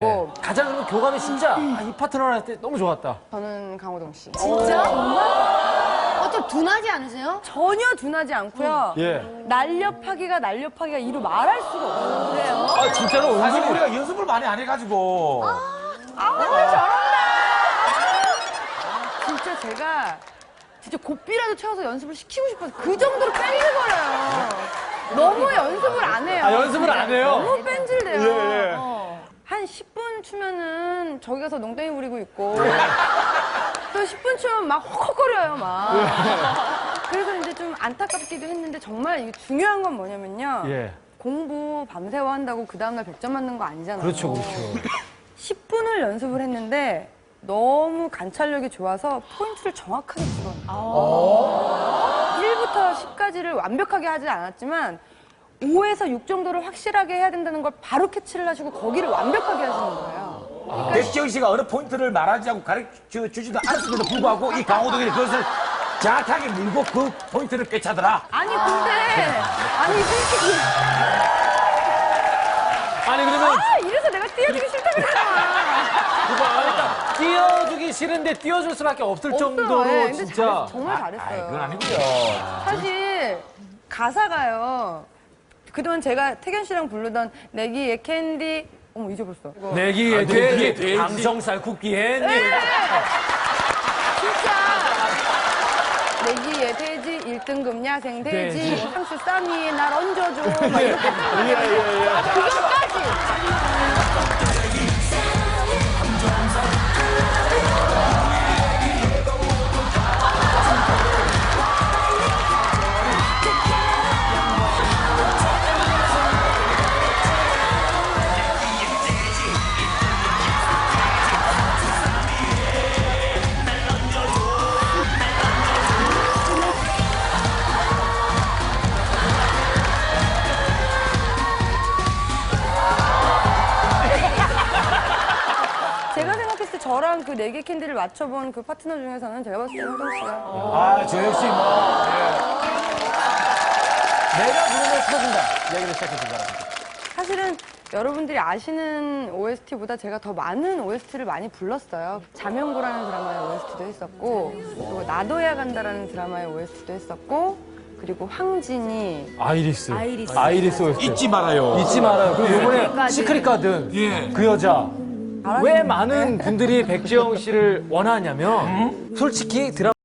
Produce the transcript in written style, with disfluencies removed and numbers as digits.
가장 그러면 교감이 진짜 이 파트너랑 할 때 너무 좋았다. 저는 강호동 씨. 진짜? 정말? 좀 둔하지 않으세요? 전혀 둔하지 않고요. 예. 날렵하기가 이루 말할 수가 없어요. 그래요? 아 진짜로 사실 은근히 우리가 연습을 많이 안 해가지고. 잘한다. 진짜 제가 고삐라도 채워서 연습을 시키고 싶어서 그 정도로 뺀질거려요. 너무 연습을 안 해요. 아, 연습을 안 해요? 너무 뺀질돼요. 예, 예. 한 10분 추면은 저기 가서 농땡이 부리고 있고 또 10분 추면 막 헉헉거려요 막. 그래서 이제 좀 안타깝기도 했는데 정말 이게 중요한 건 뭐냐면요. 예. 공부 밤새워 한다고 그 다음날 100점 맞는 거 아니잖아요. 그렇죠, 그렇죠. 10분을 연습을 했는데 너무 관찰력이 좋아서 포인트를 정확하게 집어넣어요. 1부터 10까지를 완벽하게 하지 않았지만 5에서 6 정도를 확실하게 해야 된다는 걸 바로 캐치를 하시고 거기를 완벽하게 하시는 거예요. 백지영 씨가 어느 포인트를 말하지 않고 가르쳐 주지도 않았음에도 불구하고 이 강호동이 그것을 정확하게 물고 그 포인트를 꿰차더라. 아니 솔직히 아니 그러면 이래서 내가 띄워주기 싫다 그랬잖아. 그러니까 띄워주기 싫은데 띄워줄 수밖에 없을 정도로 예, 근데 진짜. 정말 잘했어요. 그건 아니고요. 사실 가사가요. 그동안 제가 태견 씨랑 부르던 내기의 캔디 어머 잊어버렸어. 이거. 내기에 돼지 감성살 쿠키 했니? 진짜 내기의 돼지 1등급 야생 돼지 향수 쌈 위에 날 얹어줘 막 이렇게 그것까지 제가 생각했을 때 저랑 그 4개 캔디를 맞춰본 그 파트너 중에서는 제가 봤을 때 호동 씨가 아, 저 역시 뭐. 내가 부르면 터진다. 얘기를 시작해 준 거랍니다. 사실은 여러분들이 아시는 OST보다 제가 더 많은 OST를 많이 불렀어요. 자명고라는 드라마의 OST도 했었고 그리고 나도야 간다라는 드라마의 OST도 했었고 그리고 황진이 아이리스 OST. 잊지 말아요. 잊지 말아요. 그리고 요번에 시크릿 가든 예. 그 여자. 왜 많은 분들이 백지영 씨를 원하냐면 솔직히 드라마